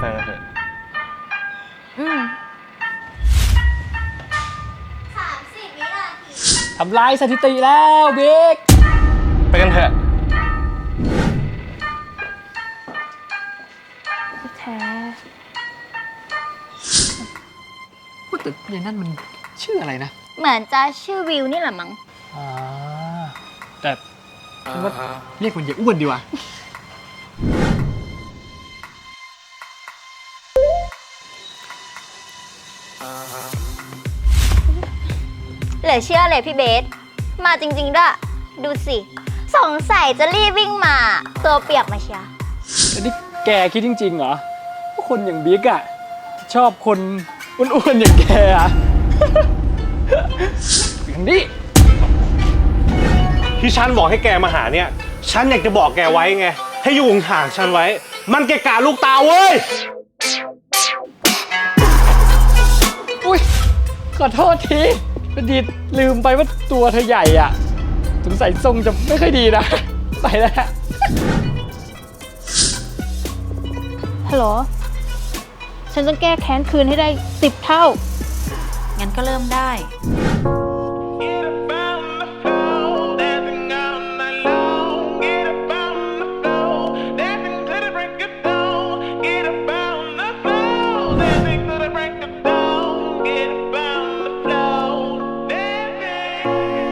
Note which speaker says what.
Speaker 1: ฟกันเถอะ
Speaker 2: 30 วินาที
Speaker 3: ทำลายสถิติแล้วบิ๊ก
Speaker 1: ไปกันเถอะ
Speaker 4: แท้
Speaker 3: พูดแต่ยายนั่นมันชื่ออะไรนะ
Speaker 2: เหมือนจะชื่อวิวนี่แหละมั้ง
Speaker 3: แต่ฉันว่าเรียกมันยายอ้วนดีกว่า
Speaker 2: เหลือเชื่อเลยพี่เบส มาจริงๆด้วยดูสิ สงสัยจะรีบวิ่งมาตัวเปียกมาเชียร์
Speaker 3: แต่นี่แกคิดจริงๆเหรอว่าคนอย่างบิ๊กอะชอบคนอ้วนๆอย่างแกอะ อย่างนี้
Speaker 5: ที่ฉันบอกให้แกมาหาเนี่ย ฉันอยากจะบอกแกไว้ไง ให้อยู่ห่างๆฉันไว้ มันเกะกะลูกตาเว้ย
Speaker 3: อุ้ยขอโทษทีพอดีลืมไปว่าตัวเธอใหญ่อะสงสัยทรงจะไม่ค่อยดีนะ ไปแล้ว
Speaker 4: ฮัลโหล ฉันต้องแก้แค้นคืนให้ได้10 เท่า
Speaker 6: งั้นก็เริ่มได้